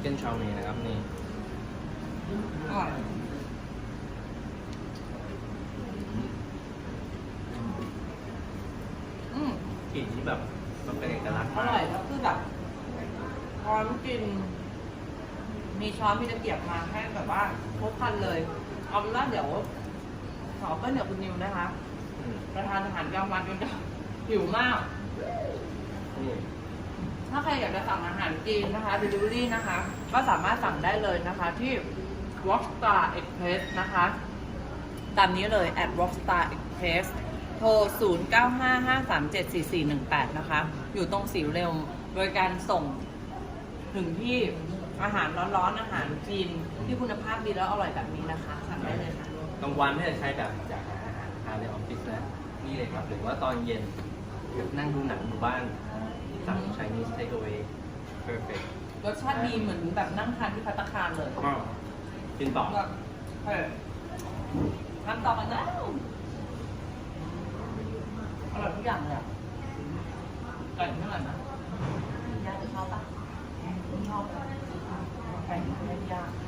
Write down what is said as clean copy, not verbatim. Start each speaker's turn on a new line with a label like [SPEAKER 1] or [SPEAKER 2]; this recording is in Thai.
[SPEAKER 1] ก้นชาวเมนะครับนี่
[SPEAKER 2] อร่อย
[SPEAKER 1] กลิ่นที่แบบมันเป็นเอกลักษณ์
[SPEAKER 2] อร่อยแล้วคือแบบช้อนกิน มีช้อนมีตะเกียบมาให้แบบว่าครบครันเลย เอาเป็นว่าเดี๋ยวขอเปิ้ลเดี๋ยวคุณนิวนะคะ
[SPEAKER 1] อืม
[SPEAKER 2] ประทานอาหารกลางวันกันจะหิวมาก
[SPEAKER 1] นี่
[SPEAKER 2] ถ้าใครอยากจะสั่งอาหารจีนนะคะ delivery นะคะ ก็สามารถสั่งได้เลยนะคะที่ Rockstar Express นะคะ ตามนี้เลย @Rockstar Express โทร 0955374418 นะคะ อยู่ตรงสีเร็วโดยการส่งถึงที่อาหารร้อนๆ อาหารจีนที่คุณภาพดีแล้วอร่อยแบบนี้นะคะ สั่งได้เลยค่ะ
[SPEAKER 1] กลางวันถ้าจะใช้แบบอยากหาอาหารทานในออฟฟิศนะนี่เลยครับ หรือว่าตอนเย็นนั่งดูหนังอยู่บ้านสั่ง Chinese takeaway perfect
[SPEAKER 2] รสชาติดีเหมือนแบบนั่งทานที่ภัตตาคารเลย
[SPEAKER 1] ก็กินต่อ
[SPEAKER 2] แบบเฮ้ยทำต่อกันแล้วอร่อยทุกอย่างเลยอะไก่ไม่อร่อยนะย่าจะชอบปะไม่ชอบไก่ไม่ได้ย่าง